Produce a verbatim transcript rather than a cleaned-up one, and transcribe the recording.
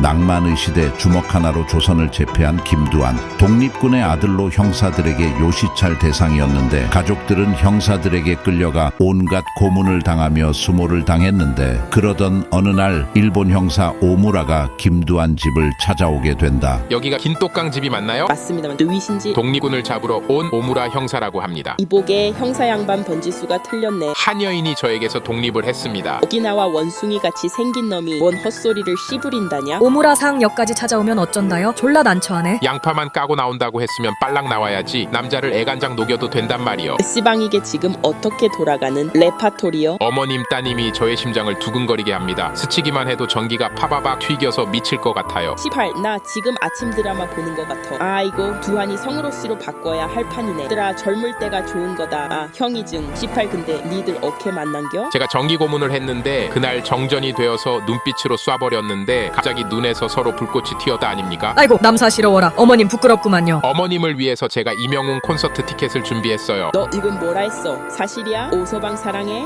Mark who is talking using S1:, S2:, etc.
S1: 낭만의 시대 주먹 하나로 조선을 제패한 김두한. 독립군의 아들로 형사들에게 요시찰 대상이었는데 가족들은 형사들에게 끌려가 온갖 고문을 당하며 수모를 당했는데, 그러던 어느 날 일본 형사 오무라가 김두한 집을 찾아오게 된다.
S2: 여기가 긴똑강 집이 맞나요?
S3: 맞습니다만 누이신지?
S2: 독립군을 잡으러 온 오무라 형사라고 합니다.
S3: 이복의 형사 양반 번지수가 틀렸네.
S2: 한 여인이 저에게서 독립을 했습니다.
S3: 오기나와 원숭이 같이 생긴 놈이 뭔 헛소리를 씨부린다냐?
S4: 오무라상 역까지 찾아오면 어쩐다요? 졸라 난처하네.
S2: 양파만 까고 나온다고 했으면 빨랑 나와야지 남자를 애간장 녹여도 된단 말이요.
S3: S방이게 지금 어떻게 돌아가는 레파토리요?
S2: 어머님 따님이 저의 심장을 두근거리게 합니다. 스치기만 해도 전기가 파바박 튀겨서 미칠 것 같아요.
S3: 시팔, 나 지금 아침 드라마 보는 것 같아. 아이고, 두한이 성으로 씨로 바꿔야 할 판이네. 얘들아, 젊을 때가 좋은 거다. 아, 형이 증. 시팔, 근데 니들 어케 만난겨?
S2: 제가 정기 고문을 했는데 그날 정전이 되어서 눈빛으로 쏴버렸는데 갑자기 눈에서 서로 불꽃이 튀었다 아닙니까?
S4: 아이고 남사시러워라. 어머님 부끄럽구만요.
S2: 어머님을 위해서 제가 이명웅 콘서트 티켓을 준비했어요.
S3: 너 지금 뭐라 했어? 사실이야? 오서방 사랑해?